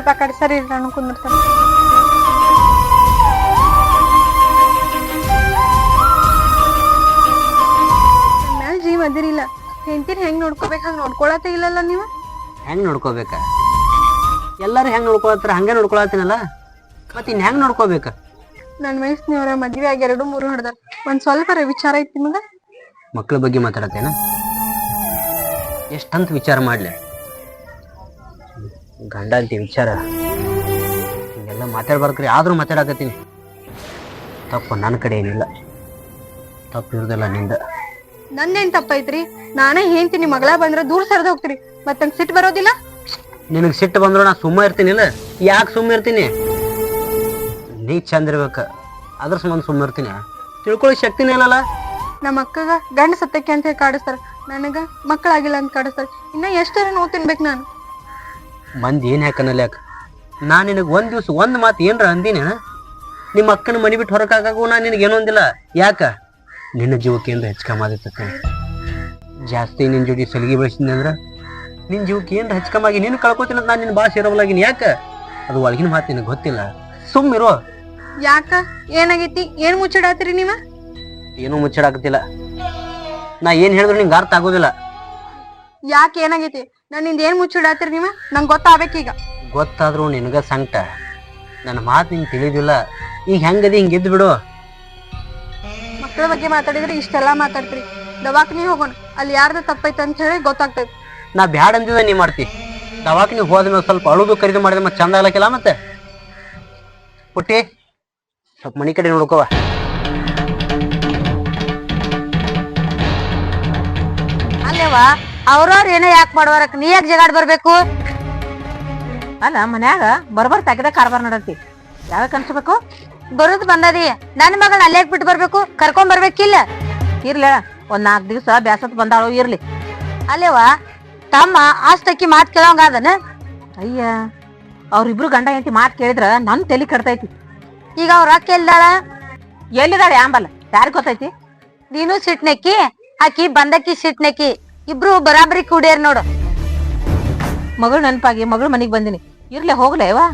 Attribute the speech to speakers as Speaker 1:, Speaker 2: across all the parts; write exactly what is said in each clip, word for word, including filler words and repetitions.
Speaker 1: ಸ್ವಲ್ಪ ಆ ಕಡೆ ಸರಿ ನಾನು ಕುಂದಿರ್ತಾನೆ. ಮ್ಯಾಲ ಜೀವ ಅದಿರಿಲ್ಲ, ಹೆಂಡತಿನ ಹೆಂಗ್ ನೋಡ್ಕೋಬೇಕು ಹಂಗ ನೋಡ್ಕೊಳತೇ ಇಲ್ಲಲ್ಲ ನೀವು.
Speaker 2: ಹೆಂಗ್ ನೋಡ್ಕೋಬೇಕ? ಎಲ್ಲಾರು ಹೆಂಗ್ ನೋಡ್ಕೊಳತ್ತಾರ ಹಂಗೆ ನೋಡ್ಕೊಳತ್ತೀನಲ್ಲ, ಮತ್ ಇನ್ ಹೆಂಗ್ ನೋಡ್ಕೋಬೇಕ?
Speaker 1: ನನ್ ವಯಸ್ಸಿನವ್ರ ಮದ್ವೆ ಆಗಿ ಎರಡು ಮೂರು ಹೊಡೆದಾರ. ಒಂದ್ ಸ್ವಲ್ಪ ವಿಚಾರ ಐತಿ ನಿಮಗ?
Speaker 2: ಮಕ್ಳ ಬಗ್ಗೆ ಮಾತಾಡತ್ತೇನ? ಎಷ್ಟಂತ ವಿಚಾರ ಮಾಡ್ಲಿ? ಗಂಡ ಅಂತಿ ವಿಚಾರ ಹಿಂಗೆಲ್ಲ ಮಾತಾಡ್ಬಾರ್ಕ್ರಿ, ಆದ್ರೂ ಮಾತಾಡಕತ್ತೀನಿ. ತಪ್ಪು ನನ್ನ ಕಡೆ ಏನಿಲ್ಲ, ತಪ್ಪು ಇರೋದಿಲ್ಲ ನಿಂದ.
Speaker 1: ನಂದೇನ್ ತಪ್ಪೈತ್ರಿ? ನಾನೇ ಹೇಳ್ತೀನಿ ಮಗಳ ಬಂದ್ರೆ ದೂರ ಸರಿದ ಹೋಗ್ತೀರಿ, ಮತ್ತಂಗ್ ಸಿಟ್ಟು ಬರೋದಿಲ್ಲ?
Speaker 2: ನಿನಗ್ ಸಿಟ್ಟು ಬಂದ್ರು ನಾ ಸುಮ್ಮ ಇರ್ತೀನಿಲ್ಲ? ಯಾಕೆ ಸುಮ್ಮ ಇರ್ತೀನಿ? ನೀ ಚಂದ ಇರ್ಬೇಕ, ಅದ್ರ ಸಂಬಂಧ ಸುಮ್ಮ ಇರ್ತೀನಿ? ತಿಳ್ಕೊಳ್ಳೋ ಶಕ್ತಿನೇ ಇಲ್ಲಲ್ಲ.
Speaker 1: ನಮ್ಮ ಅಕ್ಕಗ ಗಂಡ ಸತ್ತಕ್ಕೆ ಅಂತ ಹೇಳಿ ಕಾಡಿಸ್ತಾರ, ನನಗ ಮಕ್ಕಳಾಗಿಲ್ಲ ಅಂತ ಕಾಡಿಸ್ತಾರ. ಇನ್ನ ಎಷ್ಟರ ನೋವು ತಿನ್ಬೇಕು ನಾನು?
Speaker 2: ಮಂದಿ ಏನ್ ಯಾಕನ್ನಲ್ಲ ಯಾಕ? ನಾ ನಿನಗ್ ಒಂದ್ ದಿವ್ಸ ಒಂದ್ ಮಾತು ಏನ್ರ ಅಂದಿನ? ನಿಮ್ಮ ಅಕ್ಕನ ಮನಿ ಬಿಟ್ಟು ಹೊರಕಾಗು ನಾ ನಿನಗೆ ಏನೋ ಅಂದಿಲ್ಲ. ಯಾಕ? ನಿನ್ನ ಜೀವಕ್ಕೆ ಏನ್ರ ಹೆಚ್ಚಕಮ್ಮ ಆದಿತ್ತ? ಜಾಸ್ತಿ ನಿನ್ ಜೋಡಿ ಸಲಿಗೆ ಬೆಳೆಸಿದ್ನಿ ಅಂದ್ರ ನಿನ್ ಜೀವಕ್ಕೆ ಏನ್ರ ಹೆಚ್ಚಕಮ್ಮಾಗಿ ನೀನು ಕಳ್ಕೊತೀನಿ ಅಂತ ನಾನು ನಿನ್ನ ಭಾಷೆ ಇರೋಲಾಗಿನಿ. ಯಾಕ? ಅದು ಒಳಗಿನ ಮಾತು ನಿನಗೆ ಗೊತ್ತಿಲ್ಲ, ಸುಮ್ಮಿರೋ.
Speaker 1: ಯಾಕ? ಏನಾಗೈತಿ? ಏನ್ ಮುಚ್ಚಿಡಾತ್ರಿ ನೀವ?
Speaker 2: ಏನೂ ಮುಚ್ಚಿಡಾಕತ್ತಿಲ್ಲ. ನಾ ಏನ್ ಹೇಳಿದ್ರು ನಿಂಗೆ ಅರ್ಥ ಆಗೋದಿಲ್ಲ.
Speaker 1: ಯಾಕೆ ಏನಾಗೈತಿ? ನನ್ನಿಂದ ಏನ್ ಮುಚ್ಚಿಡಾತ್ರಿ ನೀವ? ನಂಗೆ ಗೊತ್ತಾಗಬೇಕೀಗ.
Speaker 2: ಗೊತ್ತಾದ್ರು ನಿನಗ ಸಂಕಟ, ನನ್ನ ಮಾತು ನಿಂಗೆ ತಿಳಿದಿಲ್ಲ. ಈಗ ಹೆಂಗದಿ ಹಿಂಗೆ ಎದ್ದು ಬಿಡು.
Speaker 1: ಮಕ್ಕಳ ಬಗ್ಗೆ ಮಾತಾಡಿದ್ರೆ ಇಷ್ಟೆಲ್ಲಾ ಮಾತಾಡ್ತೀರಿ. ದವಾಖಾನಿ ಹೋಗೋಣ, ಅಲ್ಲಿ ಯಾರ್ದ ತಪ್ಪೈತೆ ಅಂತ ಹೇಳಿ ಗೊತ್ತಾಗ್ತೈತಿ.
Speaker 2: ನಾ ಬ್ಯಾಡ ಅಂದಿದ ನೀ ಮಾಡ್ತಿ. ದವಾಖಾನಿಗೆ ಹೋದ್ಮೇಲೆ ಸ್ವಲ್ಪ ಅಳುದು ಖರೀದಿ ಮಾಡಿದ್ರೆ ಮತ್ತೆ ಚಂದ ಆಗ್ಲಕ್ಕಿಲ್ಲ. ಮತ್ತೆ ಪುಟ್ಟಿ ಸ್ವಲ್ಪ ಮನಿ ಕಡೆ ನೋಡ್ಕೋವ.
Speaker 3: ಅಲ್ಲೇವಾ ಅವ್ರವ್ರ ಏನೋ ಯಾಕೆ ಮಾಡುವರಕ್ ನೀ ಯಾಕೆ ಜಗಾಡ್ ಬರ್ಬೇಕು? ಅಲ್ಲ ಮನ್ಯಾಗ ಬರ್ಬರ್ ತೆಗೆದ ಕಾರ್ಬಾರ್ ನಡತಿ, ಯಾವಾಗ ಅನ್ಸ್ಬೇಕು? ಬರುದ್ ಬಂದದಿ, ನನ್ ಮಗಳನ್ನ ಅಲ್ಲೇ ಬಿಟ್ಟು ಬರ್ಬೇಕು, ಕರ್ಕೊಂಡ್ ಬರ್ಬೇಕಿಲ್ಲ? ಇರ್ಲ ಒಂದ್ ನಾಲ್ಕು ದಿವ್ಸ ಬ್ಯಾಸತ್ ಬಂದಾಳು, ಇರ್ಲಿ. ಅಲ್ಲೇವಾ ತಮ್ಮ ಆಸ್ತಕ್ಕಿ ಮಾತ್ ಕೇಳೋಂಗ ಅದನ? ಅಯ್ಯ ಅವ್ರಿಬ್ರು ಗಂಡ ಹೆಂಡತಿ ಮಾತ್ ಕೇಳಿದ್ರ ನನ್ ತಲಿ ಕಡ್ತೈತಿ. ಈಗ ಅವ್ರ ಅಕ್ಕ ಎಲ್ಲಿದಾಳ? ಎಲ್ಲಿದಾಳೆ ಆಂಬಲ್ಲ, ಯಾರಿಗ್ ಗೊತ್ತೈತಿ? ನೀನು ಸಿಟ್ನೆಕ್ಕಿ, ಆಕಿ ಬಂದಕ್ಕಿ ಸಿಟ್ನೆಕ್ಕಿ, ಇಬ್ರು ಬರಾಬರಿ ಕೂಡ್ಯಾರ ನೋಡು. ಮಗಳು ನೆನಪಾಗಿ ಮಗಳು ಮನಿಗ್ ಬಂದಿನಿ, ಇರ್ಲೆ ಹೋಗ್ಲೇವಾ?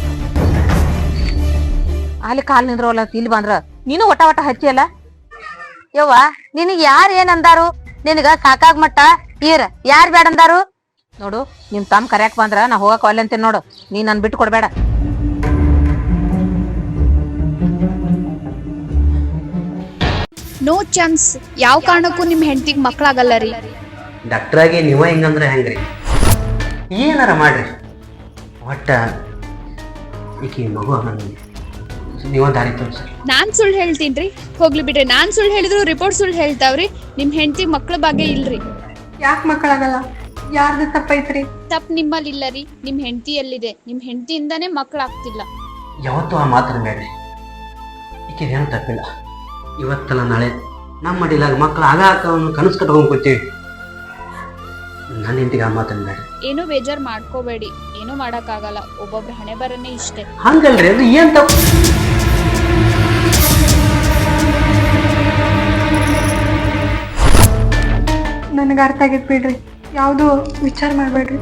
Speaker 3: ಅಲ್ಲಿ ಕಾಲ್ ನಿಂದ್ರವಲ್ಲ, ಇಲ್ಲಿ ಬಂದ್ರ ನೀನು ಒಟ ಒಟ ಹಚ್ಚಿಯಲ್ಲ. ಯವ್ವ ನಿನಗ್ ಯಾರ್ ಏನ್ ಅಂದಾರು? ನಿನಗ ಸಾಕಾಗ್ ಮಟ್ಟ ಈರ್ ಯಾರ್ ಬ್ಯಾಡ ಅಂದಾರು? ನೋಡು ನಿಮ್ ತಮ್ಮ ಕರ್ಯಾಕ್ ಬಂದ್ರ ನಾ ಹೋಗಕ್ ಒಲ್ಲೆ ಅಂತೀನಿ ನೋಡು, ನೀ ನನ್ ಬಿಟ್ಟು ಕೊಡ್ಬೇಡ.
Speaker 4: ನೋ ಚಾನ್ಸ್, ಯಾವ ಕಾರಣಕ್ಕೂ ನಿಮ್ ಹೆಂಡತಿಗೆ ಮಕ್ಳಾಗಲ್ಲ ರೀ.
Speaker 2: ಡಾಕ್ಟ್ರಾಗಿ ನೀವ ಹಿಂಗಂದ್ರೆ ಹೆಂಗ್ರಿ? ಏನಾರ ಮಾಡ್ರಿ, ಒಟ್ಟ ಈಕಿ ಮಗು ನೀವ ದಾರಿ ತೋರಿಸ್ರಿ.
Speaker 4: ನಾನ್ ಸುಳ್ಳು ಹೇಳ್ತೀನ್ರಿ, ಹೋಗ್ಲಿ ಬಿಡ್ರಿ. ನಾನ್ ಸುಳ್ಳು ಹೇಳಿದ್ರು ರಿಪೋರ್ಟ್ ಸುಳ್ಳು ಹೇಳ್ತಾವ್ರಿ. ನಿಮ್ ಹೆಂಡತಿ ಮಕ್ಳ ಬಗ್ಗೆ ಇಲ್ರಿ.
Speaker 1: ಯಾಕೆ ಮಕ್ಕಳಾಗಲ್ಲ? ಯಾರ್ದು ತಪ್ಪೈತ್ರಿ?
Speaker 4: ತಪ್ ನಿಮ್ಮಲ್ಲಿ ಇಲ್ಲ ರೀ, ನಿಮ್ ಹೆಂಡತಿ ಎಲ್ಲಿದೆ? ನಿಮ್ ಹೆಂಡತಿಯಿಂದಾನೇ ಮಕ್ಳಾಗ್ತಿಲ್ಲ.
Speaker 2: ಯಾವತ್ತೂ ಆ ಮಾತನ್ನ ಬೇಡ್ರಿ, ಈಕಿದೇನು ತಪ್ಪಿಲ್ಲ. ಇವತ್ತಲ್ಲ ನಾಳೆ ನಮ್ಮ ಮಡಿಲಾಗ ಮಕ್ಳು ಆಗ ಕನಸು ಕಟ್ಕೊಂಡ್ ಕೂತೀವಿ. ನನ್ನ ಹೆಂಡತಿಗೆ ಆ ಮಾತನ್ನ ಬೇಡ್ರಿ.
Speaker 4: ಏನೂ ಬೇಜಾರ್ ಮಾಡ್ಕೋಬೇಡಿ, ಏನೂ ಮಾಡಕ್ ಆಗಲ್ಲ, ಒಬ್ಬೊಬ್ರ ಹಣೆ ಬರನೇ ಇಷ್ಟೇ.
Speaker 2: ಹಂಗಲ್ರಿ, ಅದು ಏನ್ ತಪ್ಪು?
Speaker 1: ನನಗೆ ಅರ್ಥ ಆಗೈತ್ ಬಿಡ್ರಿ, ಯಾವ್ದು ವಿಚಾರ ಮಾಡ್ಬೇಡ್ರಿ.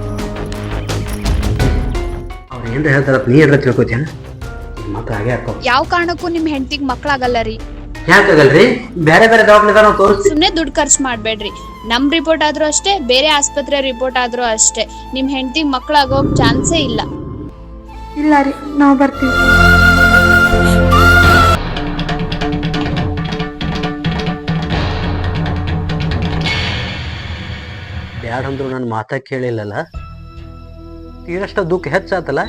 Speaker 2: ಅವ್ರು ಏನ್ರ ಹೇಳ್ತಾರ ನೀ ಏನ್ರ ತಿಳ್ಕೊತೇನ? ಮಕ್ಳು ಹಾಗೆ ಹಾಕೋ.
Speaker 4: ಯಾವ ಕಾರಣಕ್ಕೂ ನಿಮ್ ಹೆಂಡತಿಗೆ ಮಕ್ಳಾಗಲ್ಲ ರೀ.
Speaker 2: ಯಾಕಾಗಲ್ರಿ? ಬೇರೆ ಬೇರೆ ದವಾಖಾನೆ ನಾವು ತೋರಿಸ್ತೀವಿ.
Speaker 4: ಸುಮ್ನೆ ದುಡ್ಡು ಖರ್ಚು ಮಾಡ್ಬೇಡ್ರಿ. ನಮ್ ರಿಪೋರ್ಟ್ ಆದ್ರೂ ಅಷ್ಟೇ, ಬೇರೆ ಆಸ್ಪತ್ರೆ ರಿಪೋರ್ಟ್ ಆದ್ರೂ ಅಷ್ಟೇ, ನಿಮ್ ಹೆಂಡತಿಗೆ ಮಕ್ಳಾಗೋಕ್ ಚಾನ್ಸೇ ಇಲ್ಲ.
Speaker 1: ಇಲ್ಲ ರೀ, ನಾವು ಬರ್ತೀವಿ.
Speaker 2: ಬ್ಯಾಡಂದ್ರು ನನ್ನ ಮಾತ ಕೇಳಿಲ್ಲಲ್ಲ, ತೀರಷ್ಟ ದುಃಖ ಹೆಚ್ಚಾತಲ್ಲ.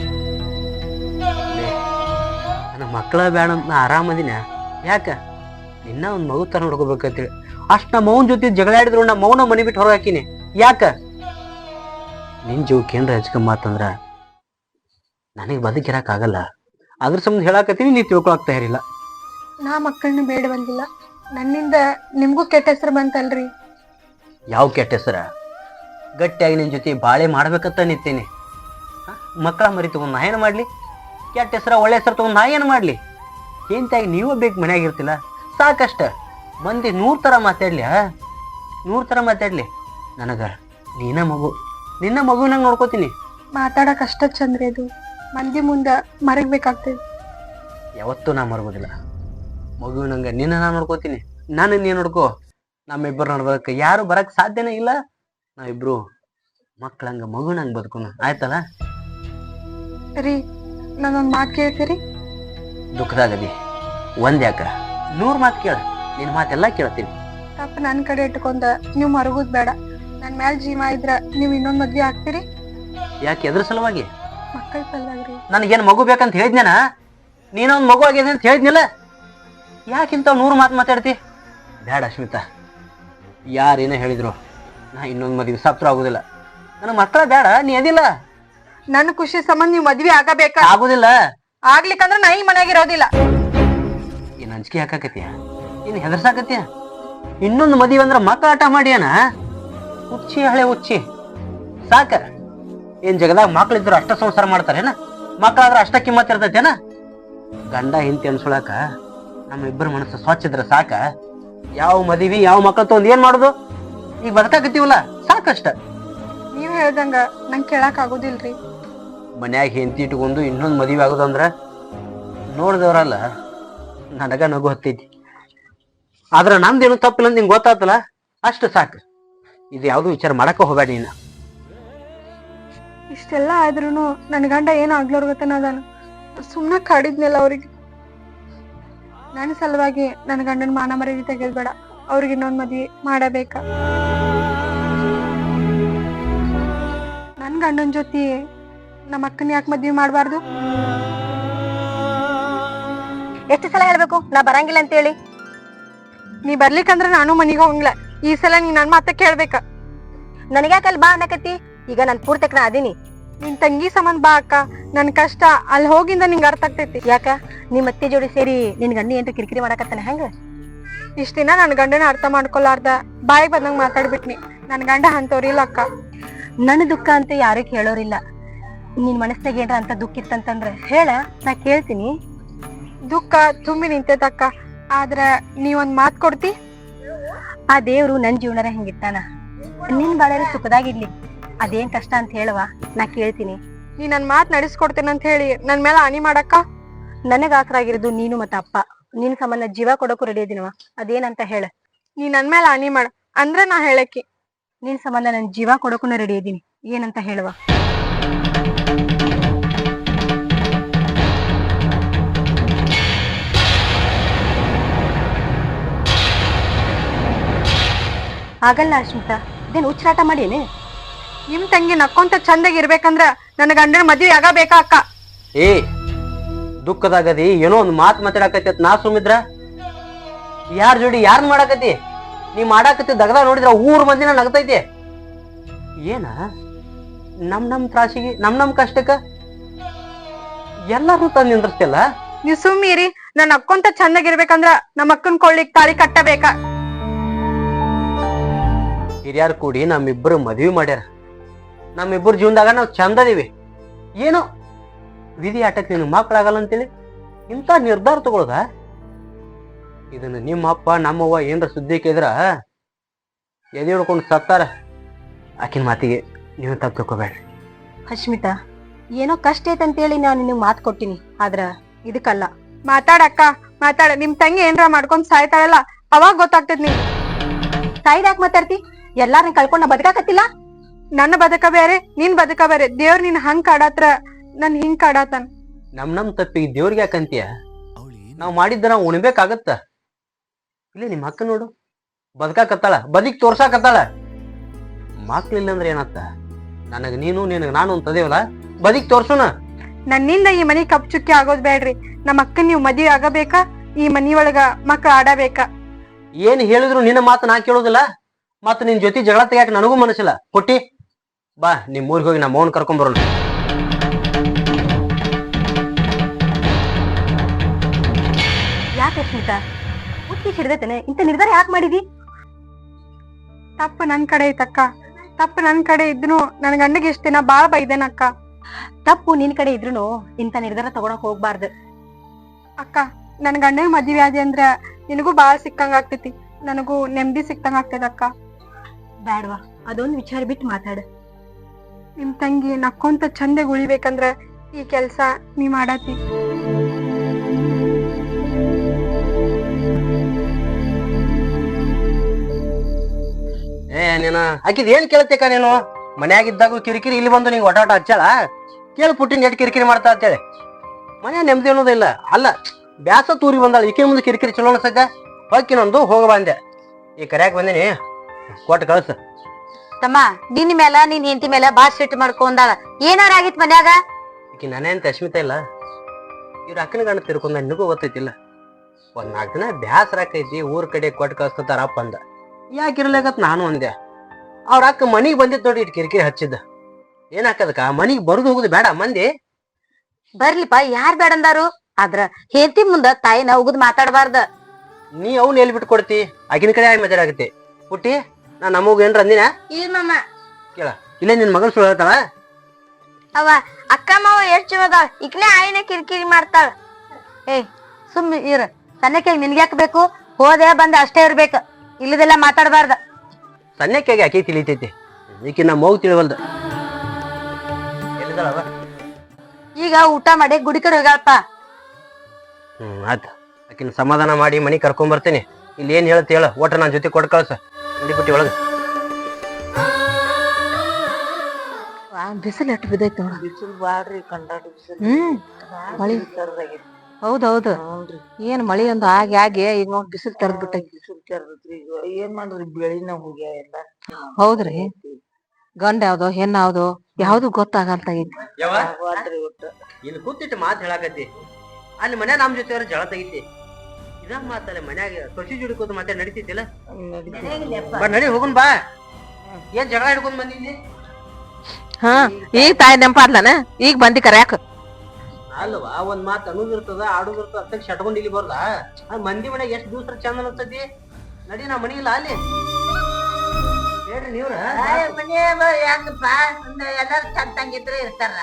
Speaker 2: ನನ್ನ ಮಕ್ಕಳ ಬ್ಯಾಡ ಅಂತ ನಾ ಆರಾಮದಿನ. ಯಾಕ? ನಿನ್ನ ಒಂದು ಮಗು ತರ ನೋಡ್ಕೋಬೇಕಂತೇಳಿ ಅಷ್ಟು ನಮ್ಮ ಮೌನ್ ಜೊತೆ ಜಗಳ ಆಡಿದ್ರು ನಮ್ಮ ಮೌನ ಮನಿ ಬಿಟ್ಟು ಹೊರಗೆ ಹಾಕಿನಿ. ಯಾಕ? ನಿನ್ ಜೀವಕ್ಕೆ ಏನ್ರ ಹಚ್ಕೊಂಬತ್ತಂದ್ರ ನನಗೆ ಬದುಕಿರಕ್ಕಾಗಲ್ಲ. ಅದ್ರ ಸಂಬಂಧ ಹೇಳಾಕತ್ತೀನಿ, ನೀ ತಿಳ್ಕೊಳಕ್ ತಯಾರಿಲ್ಲ.
Speaker 1: ನಾ ಮಕ್ಕಳನ್ನ ಬೇಡ ಬಂದಿಲ್ಲ, ನನ್ನಿಂದ ನಿಮ್ಗೂ ಕೆಟ್ಟ ಹೆಸರು ಬಂತಲ್ರಿ.
Speaker 2: ಯಾವ ಕೆಟ್ಟ ಹೆಸರ? ಗಟ್ಟಿಯಾಗಿ ನಿನ್ ಜೊತೆ ಬಾಳೆ ಮಾಡ್ಬೇಕಂತ ನಿಂತೇನೆ. ಮಕ್ಕಳ ಮರಿ ತಗೊಂಡ್ ನಾ ಏನು ಮಾಡ್ಲಿ? ಕೆಟ್ಟ ಹೆಸರ ಒಳ್ಳೆ ಹೆಸರು ತಗೊಂಡ್ ನಾ ಏನು ಮಾಡ್ಲಿ? ಎಂತಾಗಿ ನೀವೇ ಬೇಕು ಮನ್ಯಾಗ ಇರ್ತಿಲ್ಲ, ಸಾಕಷ್ಟ. ಮಂದಿ ನೂರ್ ತರ ಮಾತಾಡ್ಲಿ, ನೂರ್ ತರ ಮಾತಾಡ್ಲಿ, ನನಗ ನೀನ ಮಗು, ನಿನ್ನ ಮಗುವಿನಂಗೆ ನೋಡ್ಕೋತೀನಿ.
Speaker 1: ಮಾತಾಡಕ್ ಅಷ್ಟ ಚಂದ್ರಿ ಅದು ಮಂದಿ ಮುಂದ ಮರಗ್ಬೇಕಾಗ್ತದೆ.
Speaker 2: ಯಾವತ್ತೂ ನಾ ಮರ್ಬೋದಿಲ್ಲ. ಮಗುವಿನಂಗ ನಿನ್ನ ನಾ ನೋಡ್ಕೋತೀನಿ, ನಾನು ನೀನು ನೋಡ್ಕೋ. ನಮ್ಮಿಬ್ಬರು ನೋಡ್ಬೇಕು ಯಾರು ಬರಕ್ ಸಾಧ್ಯನೇ ಇಲ್ಲ. ನಾವಿಬ್ರು ಮಕ್ಳಂಗ ಮಗುವಿನಂಗ ಬದುಕೋಣ, ಆಯ್ತಲ್ಲ?
Speaker 1: ರೀ ನಾನೊಂದ್ ಮಾತು ಕೇಳ್ತೀರಿ?
Speaker 2: ದುಃಖದಾಗದಿ ಒಂದ್ ಯಾಕ ನೂರ್ ಮಾತು ಕೇಳ, ನಿನ್ ಮಾತೆಲ್ಲಾ ಕೇಳ್ತೀನಿ.
Speaker 1: ತಪ್ಪ ನನ್ ಕಡೆ ಇಟ್ಕೊಂಡ ನೀವ್ ಮರಗುದ್ ಬೇಡ. ನನ್ ಮ್ಯಾಲ್ ಜೀವ ಇದ್ರ ನೀವ್ ಇನ್ನೊಂದ್ ಮದ್ವೆ ಆಗ್ತೀರಿ?
Speaker 2: ಯಾಕೆ ಎದ್ರ ಸಲುವಾಗಿ?
Speaker 1: ಮಕ್ಕಳ ಸಲುವಾಗ್ರಿ.
Speaker 2: ನನಗೇನ್ ಮಗು ಬೇಕಂತ ಹೇಳಿದ್ನೇನ? ನೀನೊಂದ್ ಮಗು ಆಗಿದೆ ಅಂತ ಹೇಳಿದ್ನಿಲ್ಲ. ಯಾಕಿಂತ ನೂರು ಮಾತು ಮಾತಾಡ್ತಿ? ಬೇಡ ಅಶ್ಮಿತಾ, ಯಾರೇನ ಹೇಳಿದ್ರು ನಾ ಇನ್ನೊಂದ್ ಮದ್ವೆ ಸಪ್ರ ಆಗುದಿಲ್ಲ. ನನಗ್ ಮಕ್ಕಳ ಬೇಡ, ನೀ ಅದಿಲ್ಲ.
Speaker 1: ನನ್ ಖುಷಿ ಸಂಬಂಧ ನೀವ್ ಮದ್ವೆ ಆಗಬೇಕ.
Speaker 2: ಆಗುದಿಲ್ಲ.
Speaker 1: ಆಗ್ಲಿಕ್ಕಂದ್ರ ನಾ ಈ ಮನ್ಯಾಗ ಇರೋದಿಲ್ಲ.
Speaker 2: ಏನ್ ಅಂಜಿಕೆ ಹಾಕಾಕತಿಯ? ಏನ್ ಹೆದರ್ಸಾಕತಿಯ? ಇನ್ನೊಂದು ಮದುವೆ ಅಂದ್ರ ಮಕ್ಕಳ ಆಟ ಮಾಡ್ಯಾನ? ಹುಚ್ಚಿ ಹಳೆ ಹುಚ್ಚಿ ಸಾಕ. ಏನ್ ಜಗದಾಗ ಮಕ್ಳಿದ್ರು ಅಷ್ಟ ಸಂಸಾರ ಮಾಡ್ತಾರೇನ? ಮಕ್ಕಳಾದ್ರ ಅಷ್ಟ ಕಿಮ್ಮತ್ ಇರ್ತೈತೇನ? ಗಂಡ ಹಿಂತಿ ಅನ್ಸೊಳಕ ನಮ್ಮ ಇಬ್ಬರ ಮನಸ್ಸು ಸ್ವಚ್ಛ ಇದ್ರ ಸಾಕ. ಯಾವ ಮದುವೆ ಯಾವ ಮಕ್ಕಳ ತೊಂದ್ ಏನ್ ಮಾಡುದು? ಈಗ ಬದುಕಾಕತ್ತೀವಲ್ಲ ಸಾಕಷ್ಟ.
Speaker 1: ನೀವ್ ಹೇಳ್ದಂಗ ನಂಗ್ ಕೇಳಾಕ್ ಆಗುದಿಲ್ರಿ.
Speaker 2: ಮನ್ಯಾಗ ಹೆಂಡತಿ ಇಟ್ಕೊಂಡು ಇನ್ನೊಂದು ಮದುವೆ ಆಗುದಂದ್ರ ನೋಡಿದವ್ರಲ್ಲ ನನಗ ನಗು ಹತ್ತೈತಿ. ಆದ್ರ ನಂದೇನು ತಪ್ಪಿಲ್ಲ ಅಂತ ನಿಂಗೆ ಗೊತ್ತಾತಲ್ಲ, ಅಷ್ಟು ಸಾಕು. ಇದು ಯಾವ್ದು ವಿಚಾರ ಮಾಡಕ ಹೋಗ್ಬೇಡ ನೀನು.
Speaker 1: ಇಷ್ಟೆಲ್ಲಾ ಆದ್ರೂನು ನನ್ ಗಂಡ ಏನ್ ಆಗ್ಲೋರ್ಗತನ ಅದಾನ. ಸುಮ್ನ ಕಾಡಿದ್ನೆಲ್ಲ ಅವ್ರಿಗೆ. ನನ್ ಸಲುವಾಗಿ ನನ್ ಗಂಡನ ಮಾನ ಮರ್ಯಾದೆ ತೆಗೆದ್ಬೇಡ. ಅವ್ರಿಗೆ ಇನ್ನೊಂದ್ ಮದ್ವಿ ಮಾಡಬೇಕ. ನನ್ ಗಂಡನ್ ಜೊತೆ ನಮ್ಮ ಅಕ್ಕನ ಯಾಕೆ ಮದ್ವಿ ಮಾಡ್ಬಾರ್ದು?
Speaker 3: ಎಷ್ಟು ಸಲ ಹೇಳ್ಬೇಕು ನಾ ಬರಂಗಿಲ್ಲ ಅಂತ ಹೇಳಿ?
Speaker 1: ನೀ ಬರ್ಲಿಕ್ಕಂದ್ರ ನಾನು ಮನಿಗೆ ಹೋಗಂಗಿಲ್ಲ. ಈ ಸಲ ನೀ ನನ್ ಮಾತ ಕೇಳ್ಬೇಕ.
Speaker 3: ನನಗ್ಯಾಕಲ್ಲಿ ಬಾ ಅನ್ನಕತ್ತಿ? ಈಗ ನನ್ ಪೂರ್ತಕ್ ನಾ ಅದೀನಿ.
Speaker 1: ನಿನ್ ತಂಗಿ ಸಂಬಂಧ ಬಾ ಅಕ್ಕ. ನನ್ ಕಷ್ಟ ಅಲ್ಲಿ ಹೋಗಿಂದ ನಿಂಗ ಅರ್ಥ ಆಗ್ತೈತಿ.
Speaker 3: ಯಾಕ ನಿಮ್ ಅತ್ತಿ ಜೋಡಿ ಸೇರಿ ನಿನ್ ಗಂಡಿ ಏನ್ರ ಕಿರಿಕಿರಿ ಮಾಡಕತ್ತಾನ ಹೆಂಗ?
Speaker 1: ಇಷ್ಟ ದಿನ ನನ್ ಗಂಡನ ಅರ್ಥ ಮಾಡ್ಕೊಲಾರ್ದ ಬಾಯಿಗೆ ಬಂದಂಗ ಮಾತಾಡ್ಬಿಟ್ನಿ. ನನ್ ಗಂಡ ಅಂತವ್ರಿಲ್ಲ ಅಕ್ಕ.
Speaker 3: ನನ್ನ ದುಃಖ ಅಂತ ಯಾರು ಕೇಳೋರಿಲ್ಲ. ನಿನ್ ಮನಸ್ನಾಗ ಏನ್ರ ಅಂತ ದುಃಖ ಇತ್ತಂತಂದ್ರ ಹೇಳ, ನಾ ಕೇಳ್ತೀನಿ.
Speaker 1: ದುಃಖ ತುಂಬಿ ನಿಂತೈತಕ್ಕ. ಆದ್ರ ನೀ ಒಂದ್ ಮಾತ್ ಕೊಡ್ತಿ?
Speaker 3: ಆ ದೇವ್ರು ನನ್ ಜೀವನರ ಹೆಂಗಿತ್ತಾನ, ನಿನ್ ಬಾಳ್ಯಾರ ಸುಖದಾಗಿರ್ಲಿ. ಅದೇನ್ ಕಷ್ಟ ಅಂತ ಹೇಳುವ, ನಾ ಕೇಳ್ತೀನಿ.
Speaker 1: ನೀ ನನ್ ಮಾತ್ ನಡೆಸ್ಕೊಡ್ತೇನೆ ಅಂತ ಹೇಳಿ ನನ್ ಮೇಲೆ ಹಾನಿ ಮಾಡಕ್ಕ?
Speaker 3: ನನಗ ಆಸರಾಗಿರೋದು ನೀನು ಮತ್ತ ಅಪ್ಪ. ನಿನ್ ಸಂಬಂಧ ಜೀವ ಕೊಡೋಕು ರೆಡಿ ಇದೀನವ. ಅದೇನಂತ ಹೇಳ.
Speaker 1: ನೀ ನನ್ ಮೇಲೆ ಹಾನಿ ಮಾಡ ಅಂದ್ರ ನಾ ಹೇಳಕ್ಕಿ.
Speaker 3: ನಿನ್ ಸಂಬಂಧ ನನ್ ಜೀವ ಕೊಡೋಕು ರೆಡಿ ಇದೀನಿ. ಏನಂತ ಹೇಳುವ? ಆಗಲ್ಲ ಅಶ್ಮಿತಾ, ಇದೇನ್ ಹುಚ್ಚಾಟ ಮಾಡೇನೆ?
Speaker 1: ನಿಮ್ ತಂಗಿ ನಕ್ಕೊಂತ ಚಂದಾಗಿ ಇರ್ಬೇಕಂದ್ರ ನನ್ ಗಂಡನ ಮದ್ವೆ ಆಗಬೇಕಾ ಅಕ್ಕ?
Speaker 2: ಏ ದುಃಖದಾಗದಿ ಏನೋ ಒಂದ್ ಮಾತ್ ಮಾತಾಡಕತಿ ನಾ ಸುಮಿದ್ರ. ಯಾರ ಜೋಡಿ ಯಾರ್ನ್ ಮಾಡಾಕತಿ? ನೀ ಮಾಡಾಕತಿ ದಗದ ನೋಡಿದ್ರ ಊರ್ ಮಂದಿನ ನಗತೈತಿ. ಏನ ನಮ್ ನಮ್ ತ್ರಾಸಿಗೆ ನಮ್ ನಮ್ ಕಷ್ಟಕ್ಕ ಎಲ್ಲಾರು ತಂದ್ ನಿಂದ್ರಸ್ತಿಲ್ಲ.
Speaker 1: ನೀವ್ ಸುಮ್ಮೀರಿ. ನನ್ ಅಕ್ಕೊಂತ ಚಂದಾಗಿರ್ಬೇಕಂದ್ರ ನಮ್ಮ ಅಕ್ಕನ್ ಕೊಳ್ಳಿಗ್ ತಾಳಿ ಕಟ್ಟಬೇಕ.
Speaker 2: ಹಿರಿಯಾರ್ ಕೂಡಿ ನಮ್ಮಿಬ್ಬರು ಮದ್ವಿ ಮಾಡ್ಯಾರ. ನಮ್ಮಿಬ್ಬರು ಜೀವನದಾಗ ನಾವ್ ಚಂದದೀವಿ. ಏನೋ ವಿಧಿ ಆಟಕ್ಕೆ ನಿನ್ ಮಕ್ಳಾಗಲ್ಲ ಅಂತೇಳಿ ಇಂಥ ನಿರ್ಧಾರ ತಗೊಳದ? ಇದನ್ನ ನಿಮ್ಮಪ್ಪ ನಮ್ಮವ್ವ ಏನ್ರ ಸುದ್ದಿ ಕೇಳಿದ್ರ ಎದೆ ಹಿಡ್ಕೊಂಡು ಸತ್ತಾರ. ಆಕಿನ ಮಾತಿಗೆ ನೀವು ತಪ್ಪು ತಿಳ್ಕೊಬೇಡ್ರಿ.
Speaker 3: ಅಶ್ಮಿತಾ, ಏನೋ ಕಷ್ಟ ಐತಂತೇಳಿ ನಾನು ನಿನಗ್ ಮಾತು ಕೊಟ್ಟಿನಿ, ಆದ್ರ ಇದಕ್ಕಲ್ಲ.
Speaker 1: ಮಾತಾಡಕ್ಕ ಮಾತಾಡ. ನಿಮ್ ತಂಗಿ ಏನ್ರ ಮಾಡ್ಕೊಂಡ್ ಸಾಯ್ತಾಳಲ್ಲ ಅವಾಗ ಗೊತ್ತಾಗ್ತದ ನಿಂಗೆ.
Speaker 3: ಸಾಯ್ದಾಕ್ ಮಾತಾಡ್ತಿ? ಎಲ್ಲಾರನ್ನ ಕಳ್ಕೊಂಡ್ ನಾ ಬದುಕಾಕತ್ತಿಲ್ಲ?
Speaker 1: ನನ್ನ ಬದುಕ ಬೇರೆ, ನಿನ್ ಬದುಕ ಬೇರೆ. ದೇವ್ರ ನಿನ್ ಹಂಗ್ ಕಾಡತ್ರ ನನ್ ಹಿಂಗ್ ಕಾಡತಾನ.
Speaker 2: ನಮ್ ನಮ್ ತಪ್ಪಿಗೆ ದೇವ್ರಿಗೆ ಯಾಕಂತೀಯ? ನಾವ್ ಮಾಡಿದ್ದ ನಾವ್ ಉಣ್ಬೇಕಾಗತ್ತ. ಇಲ್ಲಿ ನಿಮ್ ಅಕ್ಕ ನೋಡು ಬದುಕಾಕತ್ತಾಳ, ಬದುಕಿ ತೋರ್ಸಾಕತ್ತಾಳ. ಮಕ್ಳಿಲ್ಲ ಅಂದ್ರೆ ಏನತ್ತ? ನನಗ್ ನೀನು ನಿನಗ್ ನಾನು ಅಂತದೇವಲ್ಲ, ಬದುಕಿ ತೋರ್ಸುನ.
Speaker 1: ನನ್ನಿಂದ ಈ ಮನಿ ಕಪ್ ಚುಕ್ಕಿ ಆಗೋದ್ ಬೇಡ್ರಿ. ನಮ್ಮ ಅಕ್ಕನ್ ನೀವ್ ಮದ್ವಿ ಆಗಬೇಕಾ? ಈ ಮನಿ ಒಳಗ ಮಕ್ಳ ಆಡಬೇಕ?
Speaker 2: ಏನ್ ಹೇಳಿದ್ರು ನಿನ್ನ ಮಾತು ನಾ ಕೇಳೋದಿಲ್ಲ. ಮತ್ ನಿನ್ ಜೊತೆ ಜಗಳ ತೆಗ್ಯಾಕ ನನಗೂ ಮನಸ್ಸಿಲ್ಲ. ಕೊಟ್ಟಿ ಬಾ, ನಿಮ್ ಊರಿಗೆ ಹೋಗಿ ನಮ್ಮ ಮೌನ್ ಕರ್ಕೊಂಡ್ ಬರೋಣ.
Speaker 3: ಯಾಕೆ ಅಶ್ಮಿತಾ ಹುಟ್ಟಿ ಹಿಡ್ದೈತೇನೆ? ಇಂತ ನಿರ್ಧಾರ ಯಾಕೆ ಮಾಡಿದಿ?
Speaker 1: ತಪ್ಪು ನನ್ ಕಡೆ ಐತಕ್ಕ. ತಪ್ಪು ನನ್ ಕಡೆ ಇದ್ನು ನನ್ ಗಂಡಗೆ ಇಷ್ಟ ದಿನ ಬಾಳ ಬೈದೇನಕ್ಕ.
Speaker 3: ತಪ್ಪು ನಿನ್ ಕಡೆ ಇದ್ರುನು ಇಂತ ನಿರ್ಧಾರ ತಗೊಳಕ್ ಹೋಗ್ಬಾರ್ದು
Speaker 1: ಅಕ್ಕ. ನನ್ ಗಂಡನ ಮದ್ವೆ ಆದಿ ಅಂದ್ರ ನಿನಗೂ ಬಾಳ ಸಿಕ್ಕಂಗ ಆಗ್ತೈತಿ, ನನಗೂ ನೆಮ್ಮದಿ ಸಿಕ್ಕಂಗ ಆಗ್ತದ ಅಕ್ಕ.
Speaker 3: ಬ್ಯಾಡ್ವಾ, ಅದೊಂದು ವಿಚಾರ ಬಿಟ್ಟು ಮಾತಾಡ.
Speaker 1: ನಿಮ್ ತಂಗಿ ನಕ್ಕೊಂತ ಚಂದಗ್ ಉಳಿಬೇಕಂದ್ರ ಈ ಕೆಲ್ಸ ನೀ ಮಾಡತಿ.
Speaker 2: ಏ ನೀನು ಆಕಿದ್ ಏನ್ ಕೇಳ್ತೇಕ ನೀನು? ಮನ್ಯಾಗಿದ್ದಾಗ ಕಿರಿಕಿರಿ, ಇಲ್ಲಿ ಬಂದು ನಿಂಗೆ ಒಟಾಟ ಹಚ್ಚಾಳ ಕೇಳಿ ಪುಟ್ಟಿನ ಎಟ್ ಕಿರಿಕಿರಿ ಮಾಡ್ತಾ ಅಂತೇಳಿ. ಮನೆ ನೆಮ್ಮದಿ ಅನ್ನೋದಿಲ್ಲ. ಅಲ್ಲ ಬ್ಯಾಸ ತೂರಿ ಬಂದಾಳ, ಈಕೆ ಮುಂದೆ ಕಿರಿಕಿರಿ ಚಲೋ ಅನ್ಸೈತೆ. ಹೊಕ್ಕಿನೊಂದು ಹೋಗ ಬಂದೆ, ಈ ಕರ್ಯಾಕ್ ಬಂದಿನಿ, ಕೊಟ್ಟು ಕಳ್ಸ.
Speaker 3: ತಮ್ಮ ನಿನ್ನ ಮೇಲ ನಿನ್ ಹೆಂಡತಿ ಮೇಲೆ ಬಾಳ್ ಸಿಟ್ಟು ಮಾಡ್ಕೊಂಡಾಳ. ಏನಾರ ಆಗಿತ್ ಮನ್ಯಾಗ?
Speaker 2: ಈಕಿ ನಾನೇ ಅಂತ ಅಶ್ಮಿತಾ ಇಲ್ಲ, ಇವ್ರ ಅಕ್ಕನ ಗಂಡ ತಿರ್ಕೊಂಡ ನಿನಗೂ ಗೊತ್ತೈತಿಲ್ಲ. ಒಂದ್ ನಾಲ್ಕು ದಿನ ಬ್ಯಾಸರ ಆಕೈತಿ, ಊರ್ ಕಡೆ ಕೊಟ್ಟು ಕಳ್ಸ್ತಾರ ಅಪ್ಪ ಅಂದ. ಯಾಕಿರ್ಲಾಗತ್ ನಾನು ಅಂದೆ. ಅವ್ರ ಅಕ್ಕ ಮನಿಗ್ ಬಂದಿದ್ ನೋಡಿ ಇಟ್ ಕಿರಿಕಿರಿ ಹಚ್ಚಿದ್ದ. ಏನ್ ಹಾಕದಕ್ಕ ಮನಿಗ್ ಬರುದು ಹೋಗುದು ಬೇಡ ಮಂದಿ?
Speaker 3: ಬರ್ಲಿಪ್ಪ, ಯಾರ್ ಬೇಡಂದಾರು. ಆದ್ರ ಹೆಂಡತಿ ಮುಂದ ತಾಯಿನ ಉಗದ್ ಮಾತಾಡಬಾರ್ದ.
Speaker 2: ನೀ ಅವ್ನ ಎಲ್ಲಿ ಬಿಟ್ಟು ಕೊಡ್ತಿ? ಆಗಿನ ಕಡೆ ಆಗಿ ಮಾತಾಡಕತ್ತಿ. ಪುಟ್ಟಿ, ನಾ ನಮಗ್ ಏನ್ರ ಅಂದಿನ?
Speaker 3: ಇಲ್ಲಮ್ಮ.
Speaker 2: ಕೇಳ, ಇಲ್ಲೇ ನಿನ್ ಮಗಳು ಸುಳ್ಳು ಹೇಳ್ತಾಳ.
Speaker 3: ಅವ ಅಕ್ಕ ಮಾವ ಎಷ್ಟ್ ಚಲೋದಾಳ, ಈಗ್ಲೇ ಆಯಿನ ಕಿರಿಕಿರಿ ಮಾಡ್ತಾಳ. ಏಯ್ ಸುಮ್ ಇರ, ಸಣ್ಣಕ್ಕೆ ನಿನ್ಗ್ಯಾಕ್ ಬೇಕು? ಹೋದೆ ಬಂದೆ ಅಷ್ಟೇ ಇರ್ಬೇಕ, ಇಲ್ಲದೆಲ್ಲ ಮಾತಾಡಬಾರ್ದ.
Speaker 2: ಸಣ್ಣಕ್ಕಾಗಿ ಆಕಿ ತಿಳಿತೈತಿ, ಈಕಿ ನಮ್ಮ ಮಗು ತಿಳಿವಲ್ದ. ಎಲ್ಲಿದಾಳವ?
Speaker 3: ಈಗ ಊಟ ಮಾಡಿ ಗುಡಿ ಕಡೆ ಹೋಗ್ಯಾಳಪ್ಪ.
Speaker 2: ಹ್ಮ್ ಆಯ್ತು, ಆಕಿನ ಸಮಾಧಾನ ಮಾಡಿ ಮನಿ ಕರ್ಕೊಂಡ್ ಬರ್ತೇನೆ. ಇಲ್ಲಿ ಏನ್ ಹೇಳ್ತಿ ಹೇಳ, ಒಟ್ಟ ನಾನ್ ಜೊತೆ ಕೊಟ್ಟು ಕಳ್ಸ. ನಡಿಬಿಟ್ಟಿ ಒಳಗ.
Speaker 3: ಬಿಸಿಲು ಎಷ್ಟು ಬಿದ್ದೈತಿ.
Speaker 5: ಬಿಸಿಲು ಬಾಳ್ರಿ, ಕಂಡಾಡಿ ಬಿಸಿಲು.
Speaker 3: ಹ್ಮ್ ಮಳಿ
Speaker 5: ತರದಾಗೈತಿ.
Speaker 3: ಹೌದೌದು. ಏನ್ ಮಳಿ ಒಂದು ಆಗಿ ಆಗಿ ಈಗ ನೋಡ್ ಬಿಸಿಲು ತರದ್ ಬಿಟ್ಟೈತಿ.
Speaker 5: ಬಿಸಿಲು ತರದ್ರಿ. ಈಗ ಏನ್ ಮಾಡ್ರಿ, ಬೆಳಿನ ಹೋಗ್ಯಾವ ಎಲ್ಲ.
Speaker 3: ಹೌದ್ರಿ, ಗಂಡ ಯಾವ್ದೋ ಹೆಣ್ಣ ಯಾವ್ದೋ ಯಾವ್ದು ಗೊತ್ತಾಗಲ್ತಾಗೈತಿ.
Speaker 5: ಆದ್ರಿ ಒಟ್ಟ
Speaker 2: ಇಲ್ಲಿ ಕೂತಿಟ್ಟು ಮಾತು ಹೇಳಾಕತ್ತಿ, ಅಲ್ಲಿ ಮನ್ಯಾಗ ನಮ್ ಜೊತೆ ಜಳ ತೆಗಿತಿ. ಇದ ಮಾತಲ್ಲ ಮನ್ಯಾಗ ಸೊಸಿ ಜುಡಿಕೋದು ಮತ್ತೆ ನಡಿತೈತಿಲ್ಲ. ಬಾ ನಡಿ ಹೋಗುನ್ ಬಾ. ಏನ್ ಜಗಳ ಹಿಡ್ಕೊಂಡ್ ಬಂದಿದ್ದಿ?
Speaker 3: ಹಾ ಈಗ ತಾಯಿ ನೆಂಪಾದ್ಲನ, ಈಗ ಬಂದಿ ಕರ್ಯಾಕ.
Speaker 2: ಅಲ್ವಾ, ಒಂದ್ ಮಾತು ಅನ್ನೋದಿರ್ತದ, ಆಡೋದಿರ್ತದ, ಅಷ್ಟಕ್ಕೆ ಶಟ್ಕೊಂಡ್ ಇಲ್ಲಿ ಬರ್ದ. ಮಂದಿ ಮನ್ಯಾಗ ಎಷ್ಟ್ ದಿವ್ಸ ಚಂದ ಅನ್ಸತಿ. ನಡಿ, ನಾ ಮನಿ ಇಲ್ಲ ಅಲ್ಲಿ. ಹೇಳ್ರಿ ನೀವ್ರ
Speaker 5: ಹೆಂಗಪ್ಪ, ಎಲ್ಲಾರು ಚಂದ ತಂಗಿದ್ರೆ ಇರ್ತಾರ.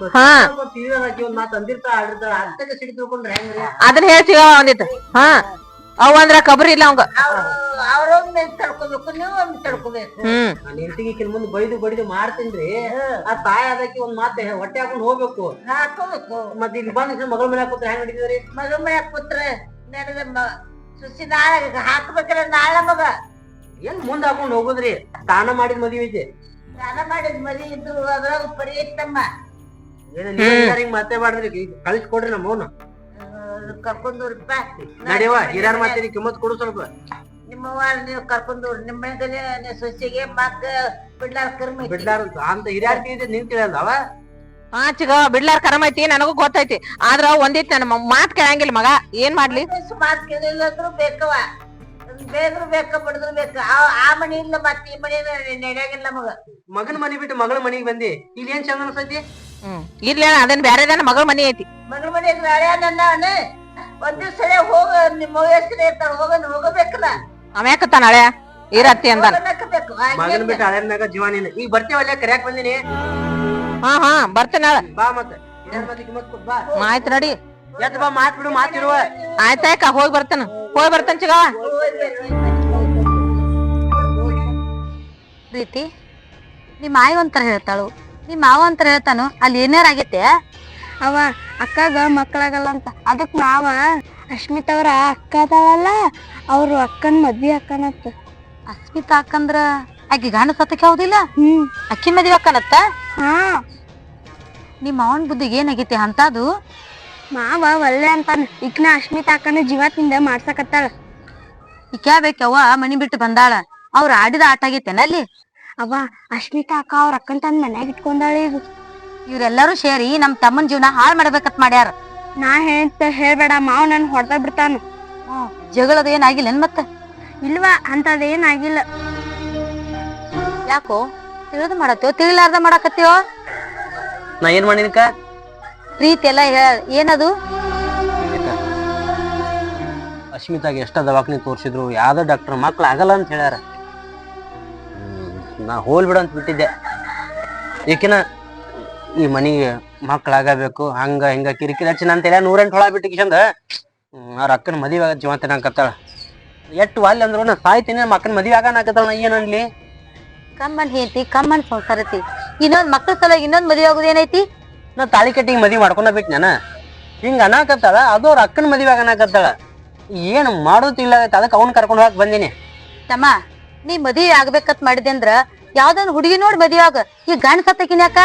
Speaker 2: ಒಂದ್ ಮಾತು ಅಂದಿರ್ತಾಳ, ಆಡಿರ್ತಾಳ, ಅಷ್ಟಕ್ಕೆ ಸಿಡಿ ತಿಳ್ಕೊಂಡ್ರೆ ಹೆಂಗ್ರಿ?
Speaker 3: ಅದನ್ನ ಹೇಳ್ತೀವ ಒಂದಿತ್ತು. ಹಾ ಅವ ಅಂದ್ರ ಕಬರಿ ಇಲ್ಲ ಅವಂಗ.
Speaker 5: ಅವ್ರೊಮ್ಮೆ ತಡ್ಕೋಬೇಕು, ನೀವು ಒಮ್ಮೆ ತಡ್ಕೋಬೇಕು.
Speaker 3: ಹ್ಮ್
Speaker 2: ನಾನ್ ಹೆಂಡತಿಗೆ ಕಿನ್ ಮುಂದೆ ಬೈದು ಬಡಿದು ಮಾಡ್ತೀನ್ರಿ. ಆ ತಾಯಿ ಅದಕ್ಕೆ ಒಂದ್ ಮಾತು ಹೊಟ್ಟೆ ಹಾಕೊಂಡ್ ಹೋಗ್ಬೇಕು.
Speaker 5: ಹಾಕೋಬೇಕು.
Speaker 2: ಮತ್ತೆ ಇಲ್ಲಿ ಬಂದ ಮಗಳ ಮನೆ ಹಾಕೋತ್ರ ಹೆಂಗ್ ನಡೀತಿದ್ರಿ?
Speaker 5: ಮಗ ಮನೆ ಕೂತ್ರೆ ನಡೆದ ಸುಸಿ ನಾಳೆ ಹಾಕ್ಬೇಕ್ರ. ನಾಳೆ ಮಗ
Speaker 2: ಏನ್ ಮುಂದ್ ಹಾಕೊಂಡ್ ಹೋಗುದ್ರಿ? ಸ್ನಾನ ಮಾಡಿದ್ ಮದ್ವಿ ಐತಿ.
Speaker 5: ಸ್ನಾನ ಮಾಡಿದ್ ಮದಿ ಇದ್ರು ಅದ್ರಾಗ ಪರಿ ಐತಮ್ಮ.
Speaker 2: ಏನ ಹಿಂಗ್ ಮತ್ತೆ ಮಾಡಿದ್ರಿ? ಕಳಿಸ್ಕೊಡ್ರಿ ನಮ್ಮ ಮೌನ
Speaker 5: ಕರ್ಕೊಂಡವ್ರಪ್ಪ.
Speaker 2: ನಡಿವ, ಹಿರಿಯರ್ ಮಾತೇನಿ ಕಿಮ್ಮತ್ ಕೊಡು ಸ್ವಲ್ಪ.
Speaker 5: ನಿಮ್ಮವ್ವ ನೀವು ಕರ್ಕೊಂಡವ್ರು, ನಿಮ್ಮ ಮನೆಗನೆ ಸೊಸೆಗೆ ಮಕ್ಕ ಬಿಡ್ಲಾರ ಕರ್ಮ ಐತಿ.
Speaker 2: ಬಿಡ್ಲಾರ ಅಂತ ಹಿರಿಯರ್ ನಿನ್ ತಿಳಿಯಲ್ದವ.
Speaker 3: ಹಾ ಚಿಗ ಬಿಡ್ಲಾರ ಕರಮ ಐತಿ, ನನಗೂ ಗೊತ್ತೈತಿ. ಆದ್ರ ಒಂದಿತ್ ನನ್ನ ಮಾತ್ ಕೇಳಂಗಿಲ್ಲ ಮಗ. ಏನ್ ಮಾಡ್ಲಿ?
Speaker 5: ಮಾತ್ ಕೇಳಿಲ್ಲ ಅಂದ್ರು ಬೇಕವ, ಬೇದ್ರು ಬೇಕ ಬಡದ್ರು ಬೇಕ. ಆ ಮನಿ ಇಲ್ಲ ಮತ್ತೆ ಈ ಮನಿ ನಡೆಯಾಗಿಲ್ಲ ಮಗ.
Speaker 2: ಮಗನ ಮನಿ ಬಿಟ್ಟು ಮಗಳ ಮನಿಗ್ ಬಂದಿ, ಇಲ್ಲಿ ಏನ್ ಚಂದ ಅನ್ಸತಿ?
Speaker 3: ಹ್ಮ್ ಇರ್ಲಿ, ಅದನ್ ಬ್ಯಾರೆದನ ಮಗಳ ಮನಿ ಐತಿ.
Speaker 5: ಮಗಳ ಮನಿ ಹಳೆಯ ನನ್ನ ಒಂದ್ ದಿವ್ಸ ಹೋಗ, ನಿಮ್ಮ ಹೆಸರು ಇರ್ತಾಳ, ಹೋಗ ಹೋಗಬೇಕಲ್ಲ.
Speaker 3: ಅಮ್ಯಾಕತ್ತಾನ ಹಳೆ ಇರತ್ತಿ ಅಂದಾನ.
Speaker 5: ಹೋಗಬೇಕು.
Speaker 2: ಮಗನ್ ಬಿಟ್ಟು ಹಳೆ ಮ್ಯಾಗ ಜೀವ ನೀನು. ಈಗ ಬರ್ತೀವಲ್ಲ, ಕರ್ಯಾಕ್ ಬಂದಿನಿ.
Speaker 3: ಹಾ ಹಾ ಬರ್ತೇನ.
Speaker 2: ಬಾ ಮತ್ತೆ ಹಿರಿಯರ್ ಮಾತಿ ಕಿಮ್ಮತ್ ಕೊಡ್ ಬಾ.
Speaker 3: ಆಯ್ತು ನಡಿ.
Speaker 2: ಎತ್ ಬಾ, ಮಾತ್ ಬಿಡು, ಮಾತಿರುವ.
Speaker 3: ಆಯ್ತಾಯ್ಕ ಹೋಗಿ ಬರ್ತೇನ, ಹೋಗಿ ಬರ್ತೇನೆ ಚಿಗ. ಪ್ರೀತಿ, ನಿಮ್ಮ ಆಯಿ ಒಂಥರ ಹೇಳ್ತಾಳು, ನಿಮ್ಮ ಮಾವ ಒಂಥರ ಹೇಳ್ತಾನು. ಅಲ್ಲಿ ಏನಾರ ಆಗೈತೆ?
Speaker 1: ಅವ ಅಕ್ಕಗ ಮಕ್ಕಳಾಗಲ್ಲ ಅಂತ, ಅದಕ್ ನಾವ ಅಶ್ಮಿತಾ ಅವ್ರ ಅಕ್ಕ ಅದಾಳಲ್ಲ, ಅವ್ರು ಅಕ್ಕನ್ ಮದ್ವಿ ಅಕ್ಕನತ್ತ.
Speaker 3: ಅಸ್ಮಿತಾ ಅಕ್ಕಂದ್ರ ಆಕಿ ಗಂಡ ಸತ್ತಕ್ಕೆ ಹೌದಿಲ್ಲ?
Speaker 1: ಹ್ಮ್
Speaker 3: ಅಕ್ಕಿ ಮದ್ವಿ ಅಕ್ಕನತ್ತ.
Speaker 1: ಹಾ
Speaker 3: ನಿಮ್ಮ ಮಾವನ್ ಬುದ್ಧಿಗೆ ಏನಾಗೈತಿ ಅಂತದು?
Speaker 1: ಮಾವ ಒಳ್ಳೆ ಅಂತಾನ. ಈಕ್ನ ಅಶ್ಮಿತಾ ಅಕ್ಕನ ಜೀವತ್ತಿಂದ ಮಾಡ್ಸಕತ್ತಾಳ.
Speaker 3: ಈಕ್ಯಾ ಬೇಕವ್ವ ಮನಿ ಬಿಟ್ಟು ಬಂದಾಳ. ಅವ್ರ ಆಡಿದ ಆಟ ಆಗೈತೇನ ಅಲ್ಲಿ?
Speaker 1: ಅವ ಅಶ್ಮಿತಾ ಅಕ್ಕ ಅವ್ರ ಅಕ್ಕನ್ ತಂದ್ ಮನ್ಯಾಗ ಇಟ್ಕೊಂಡಾಳ. ಈಗ
Speaker 3: ಇವ್ರೆಲ್ಲರೂ ಸೇರಿ ನಮ್ ತಮ್ಮನ್ ಜೀವನ ಹಾಳ್ ಮಾಡ್ಬೇಕತ್ ಮಾಡ್ಯಾರ.
Speaker 1: ನಾ ಹೇಳ್ತ ಹೇಳ್ಬೇಡ, ಮಾವ್ ನನ್ ಹೊಡೆದ ಬಿಡ್ತಾನ.
Speaker 3: ಹ್ಮ್ ಜಗಳದ ಏನಾಗಿಲ್ಲ ಮತ್ತ?
Speaker 1: ಇಲ್ವಾ, ಅಂತದೇನಾಗಿಲ್ಲ.
Speaker 3: ಯಾಕೋ ತಿಳಿದು ಮಾಡತ್ತೇವ, ತಿಳಿಲಾರ್ದ ಮಾಡಕತ್ತೀವ?
Speaker 2: ನಾ ಏನ್ ಮಾಡಿನಕ?
Speaker 3: ಪ್ರೀತಿ ಎಲ್ಲ ಏನದು?
Speaker 2: ಅಶ್ಮಿತಾಗ ಎಷ್ಟ ದವಾಖಾನಿ ತೋರ್ಸಿದ್ರು ಯಾವ್ದೋ ಡಾಕ್ಟರ್ ಮಕ್ಳು ಆಗಲ್ಲ ಅಂತ ಹೇಳ್ಯಾರ. ನಾ ಹೋಲ್ ಬಿಡ ಅಂತ ಬಿಟ್ಟಿದ್ದೆ. ಏಕೆನ ಈ ಮನಿಗೆ ಮಕ್ಳಾಗಬೇಕು, ಹಂಗ ಹಿಂಗ ಕಿರಿಕಿರಿ ಹಚ್ಚಿ ಅಂತ ಹೇಳ ನೂರೆಂಟು ಹೊಳ ಬಿಟ್ಟು ಕಿಶಂದ ಅವ್ರ ಅಕ್ಕನ ಮದುವೆ ಆಗ ಜೀವ ತಿನ್ನಕತ್ತಾಳ. ಎಟ್ಟು ಅಲ್ಲಿ ಅಂದ್ರು ನಾ ಸಾಯ್ತೀನಿ, ನಮ್ಮ ಅಕ್ಕನ ಮದುವೆ ಆಗ ನಾಕತ್ತಾಳ. ನಾ ಏನನ್ಲಿ?
Speaker 3: ಕಮ್ಮನ್ ಹೇಳ್ತಿ, ಕಮ್ಮನ್ ಸಂಸಾರತಿ. ಇನ್ನೊಂದ್ ಮಕ್ಳ ಸಲ ಇನ್ನೊಂದ್ ಮದ್ವೆ ಆಗೋದ್ ಏನೈತಿ?
Speaker 2: ನಾ ತಾಳಿ ಕಟ್ಟಿಗೆ ಮದ್ವಿ ಮಾಡ್ಕೊಂಡ ಬಿಟ್ಟು ನಾನು ಹಿಂಗ ಅನಾಕತ್ತಾಳ, ಅದು ಅವ್ರ ಅಕ್ಕನ ಮದ್ವೆ ಆಗನಾಕತ್ತಾಳ. ಏನ್ ಮಾಡೋದಿಲ್ಲ ಅದಕ್ಕೆ ಅವ್ನ ಕರ್ಕೊಂಡು ಹೋಗಕ್ ಬಂದಿನಿ.
Speaker 3: ತಮ್ಮ, ನೀ ಮದ್ವಿ ಆಗ್ಬೇಕತ್ ಮಾಡಿದೆ ಅಂದ್ರ ಯಾವ್ದೊಂದ್ ಹುಡುಗಿ ನೋಡ್ ಮದ್ವೆ ಆಗ. ಈ ಗಂಡ ಸತ್ತಕಿನ ಯಾಕ?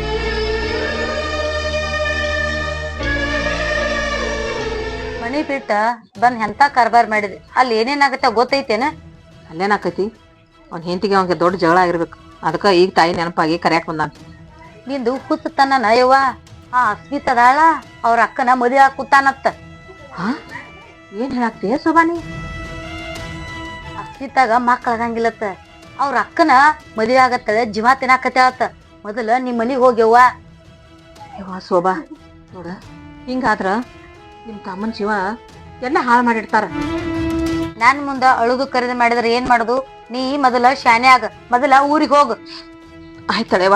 Speaker 3: ಮನಿ ಬಿಟ್ಟ ಬಂದ್ ಎಂತ ಕಾರ್ಬಾರ್ ಮಾಡಿದ್ರಿ, ಅಲ್ಲಿ ಏನೇನಾಗತ್ತ ಗೊತ್ತೈತೇನ?
Speaker 6: ಅಲ್ಲೇನಾಕೈತಿ, ಅವ್ನ ಹೆಂಡತಿಗೆ ಅವ್ನಿಗೆ ದೊಡ್ಡ ಜಗಳ ಆಗಿರ್ಬೇಕು. ಅದಕ್ಕ ಈಗ ತಾಯಿ ನೆನಪಾಗಿ ಕರ್ಯಾಕ್ ಬಂದಾನ.
Speaker 3: ನಿಂದು ಹುಚ್ಚತನ ನಯವ್ವ. ಆ ಅಸ್ಮಿತದಾಳ ಅವ್ರ ಅಕ್ಕನ ಮದ್ವೆ ಆಗ್ ಕೂತಾನತ್ತ.
Speaker 6: ಹಾ ಏನ್ ಹೇಳಾಕ್ತೀಯ ಸೋಬಾನಿ?
Speaker 3: ಅಸ್ಮಿತಾಗ ಮಕ್ಳಾಗಂಗಿಲ್ಲತ್ತ. ಅವ್ರ ಅಕ್ಕನ ಮದ್ವೆ ಆಗತ್ತ, ಜೀವ ತಿನ್ನಾಕತ್ಯಾವತ್ತ. ಮೊದಲ ನಿಮ್ ಮನಿಗ್ ಹೋಗ್ಯವ್ವ.
Speaker 6: ಯವ್ವ ಶೋಭಾ, ನೋಡ ಹಿಂಗಾದ್ರ ನಿಮ್ ತಮ್ಮನ್ ಜೀವ ಎಲ್ಲ ಹಾಳು ಮಾಡಿಡ್ತಾರ.
Speaker 3: ನಾನ್ ಮುಂದ ಅಳುದು ಕರೆದು ಮಾಡಿದ್ರ ಏನ್ ಮಾಡುದು? ನೀ ಮೊದಲ ಶಾನೆ ಆಗ, ಮೊದಲ ಊರಿಗ್ ಹೋಗು.
Speaker 6: ಆಯ್ತಳೆವ.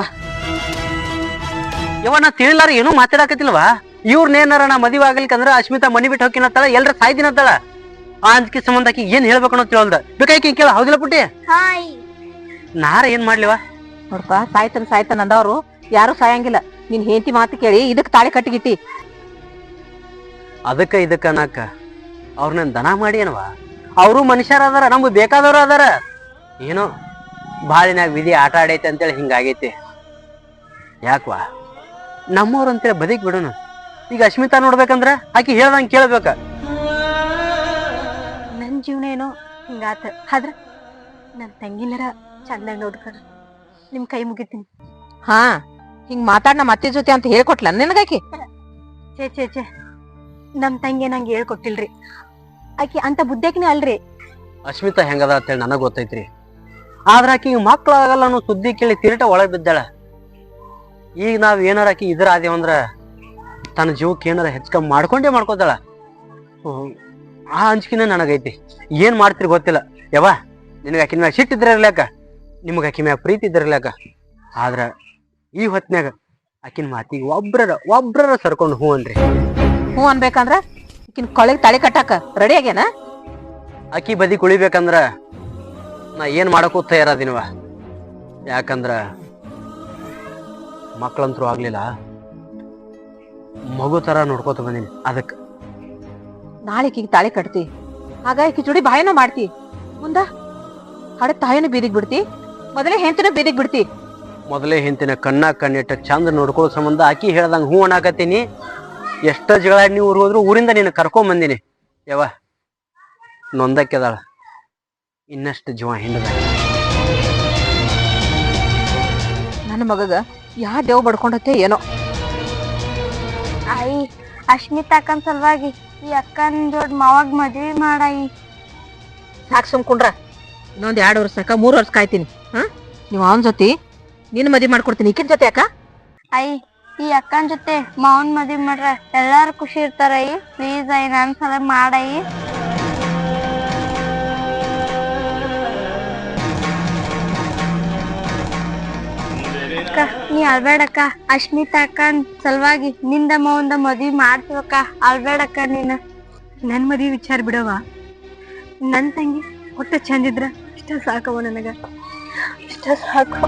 Speaker 2: ಯವ್ವ ನಾ ತಿಳಿಲಾರ ಏನೂ ಮಾತಾಡಕತ್ತಿಲ್ವಾ? ಇವ್ರನ್ನೇನಾರ ನಾ ಮದುವೆ ಆಗ್ಲಿಕ್ಕಂದ್ರ ಅಶ್ಮಿತಾ ಮನಿ ಬಿಟ್ಟು ಹೋಗಿನತ್ತಾಳ, ಎಲ್ರ ಸಾಯ್ದಿನತ್ತಾಳ. ಆ ಅಂಜಿಕೆ ಸಂಬಂಧ ಆಕಿ ಏನ್ ಹೇಳ್ಬೇಕು ಅನ್ನೋ ತಿಳ್ದ ಬೇಕಾಕಿ ಕೇಳ. ಹೌದಿಲ್ಲ ಪುಟ್ಟಿ? ನಾರ ಏನ್ ಮಾಡ್ಲಿವ?
Speaker 6: ನೋಡಪ್ಪ, ಸಾಯ್ತನ್ ಸಾಯ್ತನ್ ಅಂದವ್ರು ಯಾರು ಸಾಯಂಗಿಲ್ಲ. ನಿನ್ ಹೆಂಡತಿ ಮಾತು ಕೇಳಿ ಇದಕ್ ತಾಳಿ ಕಟ್ಟಿಗಿಟ್ಟಿ.
Speaker 2: ಅದಕ್ಕ ಇದಕ್ಕ ಅನ್ನಕ ಅವ್ರನ್ನ ದನ ಮಾಡಿ ಏನವ? ಅವರು ಮನುಷ್ಯರ ಅದಾರ, ನಮ್ಗೆ ಬೇಕಾದವ್ರು ಅದಾರ. ಏನೋ ಬಾಳಿನಾಗ ವಿಧಿ ಆಟ ಆಡೈತೆ ಅಂತೇಳಿ ಹಿಂಗಾಗೈತಿ. ಯಾಕವಾ ನಮ್ಮವ್ರು ಅಂತೇಳಿ ಬದುಕ್ ಬಿಡೋಣ. ಈಗ ಅಶ್ಮಿತಾ ನೋಡ್ಬೇಕಂದ್ರ ಆಕಿ ಹೇಳ್ದಂಗೆ ಕೇಳ್ಬೇಕ.
Speaker 1: ನನ್ ಜೀವನ ಏನೋ ಹಿಂಗಾತ, ಆದ್ರ ನನ್ ತಂಗಿನರ ಚಂದಾಗ ನೋಡ್ಕರ ನಿಮ್ ಕೈ ಮುಗಿತೀನಿ.
Speaker 6: ಹಾ ಹಿಂಗ್ ಮಾತಾಡ್ ನಮ್ಮ ಅತ್ತೆ ಜೊತೆ ಅಂತ ಹೇಳ್ಕೊಟ್ಲ ನಿನಗಾಕಿ?
Speaker 1: ಚೇ ಚೇ ಚೇ ನಮ್ ತಂಗಿ ನಂಗೆ ಹೇಳ್ಕೊಟ್ಟಿಲ್ರಿ. ಆಕಿ ಅಂತ ಬುದ್ಧಿಕಿನ ಅಲ್ರಿ.
Speaker 2: ಅಶ್ಮಿತಾ ಹೆಂಗದ ಅಂತೇಳಿ ನನಗ್ ಗೊತ್ತೈತ್ರಿ. ಆದ್ರ ಆಕಿ ಮಕ್ಳಾಗಲ್ಲ ಅನ್ನೋ ಸುದ್ದಿ ಕೇಳಿ ತಿರುಟ ಒಳಗ್ ಬಿದ್ದಾಳ. ಈಗ ನಾವ್ ಏನಾರ ಆಕಿ ಇದ್ರ ಆದೇವಂದ್ರ ತನ್ನ ಜೀವಕ್ಕೆ ಏನಾರ ಹೆಚ್ಚಕಮ್ಮಿ ಮಾಡ್ಕೊಂಡೇ ಮಾಡ್ಕೋತಾಳ. ಆ ಅಂಜಿಕಿನ ನನಗೈತಿ. ಏನ್ ಮಾಡ್ತಿರಿ ಗೊತ್ತಿಲ್ಲ. ಯವ್ವ, ನಿನಗ ಆಕಿನ ಮ್ಯಾಗ ಸಿಟ್ಟಿದ್ರ ಇರ್ಲಾಕ, ನಿಮಗ ಆಕಿ ಮ್ಯಾಗ ಪ್ರೀತಿ ಇದ್ದಿರ್ಲಾಕ. ಆದ್ರ ಈ ಹೊತ್ನ್ಯಾಗ ಆಕಿನ ಮಾತಿಗೆ ಒಬ್ರರ ಒಬ್ರರ ಸರ್ಕೊಂಡು ಹೂ ಅನ್ರಿ.
Speaker 6: ಹ್ಞೂ ಅನ್ಬೇಕಂದ್ರ ಈಕಿನ ಕೊಳೆಗ್ ತಾಳಿ ಕಟ್ಟಾಕ ರೆಡಿ ಆಗ್ಯಾನ?
Speaker 2: ಆಕಿ ಬದಿ ಕುಳಿಬೇಕಂದ್ರ ನಾ ಏನ್ ಮಾಡಕ್ಕೂ ತಯಾರದಿನವ. ಯಾಕಂದ್ರ ಮಕ್ಳಂತ್ರು ಆಗ್ಲಿಲ್ಲ, ಮಗು ತರ ನೋಡ್ಕೋತ ಬಂದೀನಿ. ಅದಕ್ಕ
Speaker 6: ನಾಳೆ ಈಕಿಗೆ ತಾಳಿ ಕಟ್ತಿ, ಆಗ ಈಕಿ ಜೋಡಿ ಬಾಯನ ಮಾಡ್ತಿ. ಮುಂದ ಹಡೆ ತಾಯಿನ ಬೀದಿಗ್ ಬಿಡ್ತಿ, ಮೊದಲೇ ಹೆಂತನ ಬೀದಿಗ್ ಬಿಡ್ತಿ.
Speaker 2: ಮೊದಲೇ ಹಿಂತಿನ ಕಣ್ಣ ಕಣ್ಣಿಟ್ಟ ಚಂದ ನೋಡ್ಕೊಳ್ಳೋ ಸಂಬಂಧ ಆಕಿ ಹೇಳ್ದಂಗ ಹೂ ಅನ್ನಾಕತ್ತೀನಿ. ಎಷ್ಟ ಜಗಳ ನೀವು ಊರ್ ಹೋದ್ರು ಊರಿಂದ ನೀನು ಕರ್ಕೊಂಡ್ ಬಂದಿನಿ. ಯವ್ವ ನೊಂದಕ್ಕೆದಾಳ, ಇನ್ನಷ್ಟು ಜೀವ ಹಿಂಡದ.
Speaker 6: ನನ್ನ ಮಗಗ ಯಾ ದೇವ್ ಬಡ್ಕೊಂಡತ್ತೆ ಏನೋ.
Speaker 1: ಆಯಿ, ಅಶ್ಮಿತಾ ಅಕ್ಕನ್ ಸಲುವಾಗಿ ಈ ಅಕ್ಕನ್ ಜೋಡ್ ಮಾವಾಗ ಮದ್ವಿ ಮಾಡಾಯಿ.
Speaker 6: ಸಾಕ್ ಸುಮ್ಕೊಂಡ್ರ ಇನ್ನೊಂದ್ ಎರಡ್ ವರ್ಷಕ್ಕ ಮೂರ್ ವರ್ಷ ಕಾಯ್ತೀನಿ. ಹಾ ನೀವ್ ಅವನ್ ಜೊತೆ ನಿನ್ ಮದ್ವಿ ಮಾಡ್ಕೊಡ್ತೀನಿ. ಈಕಿನ ಜೊತೆ ಯಾಕ?
Speaker 1: ಆಯಿ, ಈ ಅಕ್ಕನ್ ಜೊತೆ ಮಾವನ್ ಮದ್ವಿ ಮಾಡ್ರ ಎಲ್ಲಾರು ಖುಷಿ ಇರ್ತಾರ. ಅಯ್ಯಿ ಪ್ಲೀಸ್ ಆಯಿ, ನನ್ ಸಲ ಮಾಡಾಯಿ. ಅಕ್ಕ ನೀ ಅಳ್ಬೇಡಕ್ಕ. ಅಶ್ಮಿತಾ ಅಕ್ಕನ್ ಸಲುವಾಗಿ ನಿಂದ ಮಾವಂದ ಮದ್ವಿ ಮಾಡ್ತೀವಕ್ಕ. ಅಳ್ಬೇಡಕ್ಕ ನೀನ. ನನ್ ಮದ್ವಿ ವಿಚಾರ ಬಿಡವ. ನನ್ ತಂಗಿ ಒಟ್ಟ ಚಂದಿದ್ರ ಇಷ್ಟ ಸಾಕವ ನನಗ, ಇಷ್ಟ ಸಾಕು.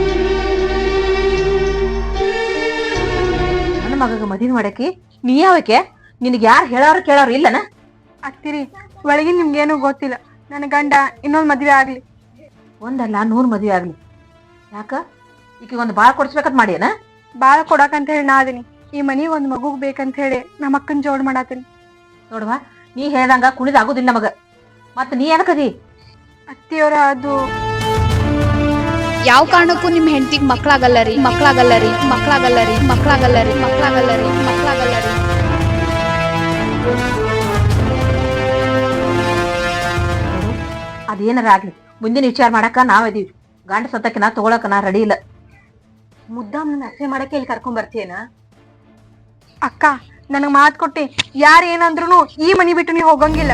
Speaker 6: ನನ್ನ ಮಗಗ ಮದ್ವಿ ಮಾಡಕಿ ನೀ ಯಾವಕ್ಕೆ? ನಿನಗ್ ಯಾರು ಹೇಳಾರು ಕೇಳಾರು ಇಲ್ಲನ?
Speaker 1: ಅತ್ತಿರಿ, ಒಳಗಿನ ನಿಮ್ಗೇನು ಗೊತ್ತಿಲ್ಲ. ನನ್ನ ಗಂಡ ಇನ್ನೊಂದ್ ಮದ್ವೆ ಆಗ್ಲಿ.
Speaker 6: ಒಂದಲ್ಲ ನೂರ್ ಮದ್ವಿ ಆಗ್ಲಿ. ಯಾಕ ಈಕಿ ಒಂದ್ ಬಾಳ್ ಕೊಡ್ಸ್ಬೇಕಂತ ಮಾಡ್ಯಾನ?
Speaker 1: ಬಾಳ ಕೊಡಕಂತ ಹೇಳಿ ನಾ ಅದೀನಿ. ಈ ಮನಿಗ್ ಒಂದ್ ಮಗುಗ್ ಬೇಕಂತ ಹೇಳಿ ನಮ್ಮ ಅಕ್ಕನ್ ಜೋಡ್ ಮಾಡಾತೀನಿ.
Speaker 6: ನೋಡುವ, ನೀ ಹೇಳ್ದಂಗ ಕುಣಿದ್ ಆಗುದಿಲ್ಲ ನಮಗ. ಮತ್ ನೀ ಏನಕದಿ?
Speaker 1: ಅತ್ತಿಯವರ ಅದು
Speaker 4: ಯಾವ ಕಾರಣಕ್ಕೂ ನಿಮ್ ಹೆಂಡತಿಗ್ ಮಕ್ಳಾಗಲ್ಲರಿ, ಮಕ್ಳಾಗಲ್ಲರಿ, ಮಕ್ಳಾಗಲ್ಲರಿ, ಮಕ್ಳಾಗಲ್ಲರಿ, ಮಕ್ಳಾಗಲ್ಲರಿ, ಮಕ್ಳಾಗಲ್ಲರಿ.
Speaker 6: ಅದೇನಾರ ಆಗ್ಲಿ, ಮುಂದಿನ ವಿಚಾರ ಮಾಡಾಕ ನಾವದೀವಿ. ಗಂಡ ಸತ್ತಕ್ಕೆ ನಾ ತಗೊಳಕ ನಾ ರೆಡಿ ಇಲ್ಲ.
Speaker 1: ಮುದ್ದಾಮ್ ನನ್ನ ಅಸೆ ಮಾಡಕ್ಕೆ ಇಲ್ಲಿ ಕರ್ಕೊಂಡ್ ಬರ್ತೀಯನ? ಅಕ್ಕ ನನಗ್ ಮಾತ್ ಕೊಟ್ಟಿ, ಯಾರ ಏನಂದ್ರು ಈ ಮನಿ ಬಿಟ್ಟು ನೀ ಹೋಗಂಗಿಲ್ಲ.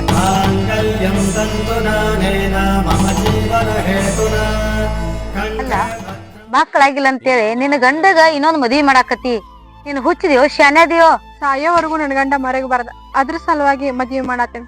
Speaker 3: ಅಲ್ಲ, ಮಕ್ಳಾಗಿಲ್ಲ ಅಂತೇಳಿ ನಿನ್ನ ಗಂಡಗ ಇನ್ನೊಂದ್ ಮದ್ವಿ ಮಾಡಾಕತಿ. ನೀನ್ ಹುಚ್ಚಿದ್ಯೋ ಶಾನ್ಯಾದಿಯೋ?
Speaker 1: ಸಾಯೋವರೆಗೂ ನನ್ ಗಂಡ ಮರಗಬಾರ್ದ, ಅದ್ರ ಸಲುವಾಗಿ ಮದ್ವಿ ಮಾಡಾತೇನೆ.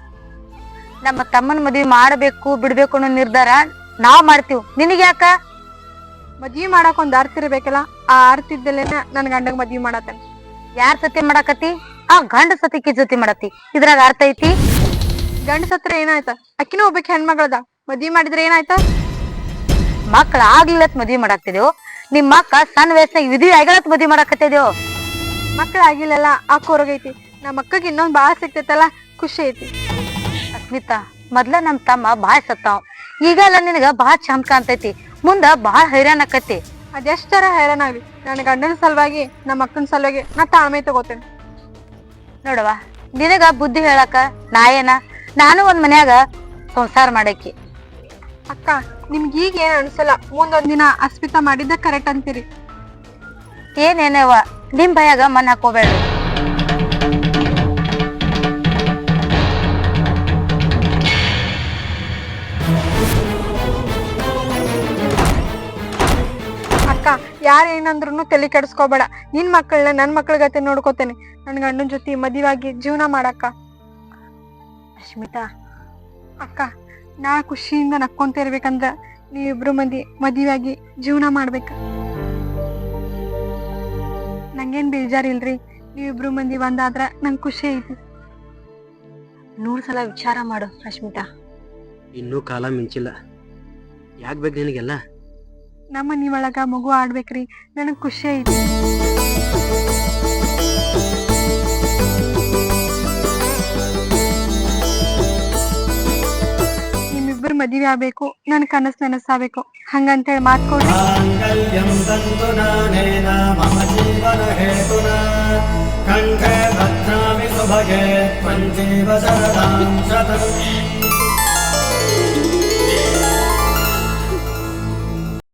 Speaker 3: ನಮ್ಮ ತಮ್ಮನ ಮದ್ವಿ ಮಾಡಬೇಕು ಬಿಡ್ಬೇಕು ಅನ್ನೋ ನಿರ್ಧಾರ ನಾವ್ ಮಾಡ್ತೀವಿ. ನಿನಗ್ ಯಾಕ?
Speaker 1: ಮದ್ವಿ ಮಾಡಕ್ ಒಂದ್ ಅರ್ಥ ಇರ್ಬೇಕಲ್ಲ, ಆ ಅರ್ಥ ಇದ್ದಲ್ಲೇನ ನನ್ ಗಂಡಗ್ ಮದ್ವಿ ಮಾಡತ್ತೇನೆ.
Speaker 3: ಯಾರ್ ಸತಿ ಮಾಡಾಕತಿ? ಆ ಗಂಡ ಸತಿಕಿ ಜೊತೆ ಮಾಡತಿ, ಇದ್ರಾಗ ಅರ್ಥ ಐತಿ?
Speaker 1: ಗಂಡ ಸತ್ರ ಏನಾಯ್ತ? ಅಕ್ಕಿನೂ ಒಬ್ಬಕ್ ಹೆಣ್ಮಗಳದ, ಮದ್ವಿ ಮಾಡಿದ್ರೆ ಏನಾಯ್ತ?
Speaker 3: ಮಕ್ಳ ಆಗ್ಲಿಲ್ಲತ್ ಮದ್ವಿ ಮಾಡಾಕ್ತಿದೇವು, ನಿಮ್ ಮಕ್ಕ ಸಣ್ಣ ವಯಸ್ಸಿನಾಗ ವಿಧಿ ಆಗಲತ್ ಮದ್ವಿ ಮಾಡಾಕತ್ತಿದೇವು.
Speaker 1: ಮಕ್ಳ ಆಗಿಲ್ಲಲ್ಲ, ಆ ಕೊರಗೈತಿ. ನಮ್ಮ ಅಕ್ಕಗ್ ಇನ್ನೊಂದ್ ಬಾಳ ಸಿಕ್ತೈತಲ್ಲ, ಖುಷಿ ಐತಿ.
Speaker 3: ಅಸ್ಮಿತಾ, ಮೊದ್ಲ ನಮ್ ತಮ್ಮ ಬಾಳ್ ಸತ್ತಾವ್, ಈಗೆಲ್ಲ ನಿನಗ ಬಾಳ್ ಚಂದ ಕಾಣ್ತೈತಿ, ಮುಂದ ಬಾಳ್ ಹೈರಾಣ ಆಕತಿ.
Speaker 1: ಅದೆಷ್ಟರ ಹೈರಾಣ ಆಗ್ಲಿ, ನನ್ನ ಗಂಡನ ಸಲುವಾಗಿ ನಮ್ಮ ಅಕ್ಕನ ಸಲುವಾಗಿ ನಾ ತಾಳ್ಮೆ ತಗೋತೇನೆ.
Speaker 3: ನೋಡವ, ನಿನಗ ಬುದ್ಧಿ ಹೇಳಾಕ ನಾ ಏನ, ನಾನು ಒಂದ್ ಮನ್ಯಾಗ ಸಂಸಾರ ಮಾಡಾಕಿ.
Speaker 1: ಅಕ್ಕ, ನಿಮ್ಗೆ ಈಗ ಏನ್ ಅನ್ಸಲ್ಲ, ಮುಂದೊಂದ್ ದಿನ ಅಸ್ಮಿತಾ ಮಾಡಿದ್ದ ಕರೆಕ್ಟ್ ಅಂತೀರಿ.
Speaker 3: ಏನೇನವ ನಿಮ್ ಭಯಾಗ ಮನ್ ಹಾಕೋಬೇಡ್ರಿ.
Speaker 1: ಅಕ್ಕ, ಯಾರ ಏನಂದ್ರು ತಲೆ ಕೆಡಿಸ್ಕೋಬೇಡ. ನಿನ್ ಮಕ್ಕಳನ್ನ ನನ್ ಮಕ್ಳ ಗತೆ ನೋಡ್ಕೋತೇನೆ. ನನ್ ಗಂಡನ ಜೊತೆ ಮದುವಾಗಿ ಜೀವನ ಮಾಡಕ್ಕ.
Speaker 3: ಅಸ್ಮಿತಾ,
Speaker 1: ಅಕ್ಕ, ನಾ ಖುಷಿಯಿಂದ ನಕ್ಕೊಂತ ಇರ್ಬೇಕಂದ್ರ ನೀವಿಬ್ರು ಮಂದಿ ಮದುವಾಗಿ ಜೀವನ ಮಾಡ್ಬೇಕ. ನಂಗೇನ್ ಬೇಜಾರಿಲ್ರಿ, ನೀವಿಬ್ರು ಮಂದಿ ಒಂದಾದ್ರ ನಂಗ್ ಖುಷಿ ಐತಿ.
Speaker 3: ನೂರ್ ಸಲ ವಿಚಾರ ಮಾಡು ಅಸ್ಮಿತಾ.
Speaker 2: ಇನ್ನೂ ಕಾಲ ಮಿಂಚಿಲ್ಲ, ಯಾಕೆ ಬೇಕು ನಿನಗೆಲ್ಲ?
Speaker 1: ನಮ್ಮ ಮನಿ ಒಳಗ ಮಗು ಆಡ್ಬೇಕ್ರಿ, ನನಗ್ ಖುಷಿ ಐತಿ. ನಿಮ್ಮಿಬ್ಬರು ಮದುವೆ ಆಗ್ಬೇಕು, ನನ್ ಕನಸು ನನಸಾಗಬೇಕು, ಹಂಗಂತೇಳಿ ಮಾತ್ಕೊಡ್ರಿ.
Speaker 7: ಕಂಠೆ ಭದ್ರಾಮಿ ಸುಭಗೆ ತ್ವಂಜೀವ ಶರದಾಂ ಶತಂ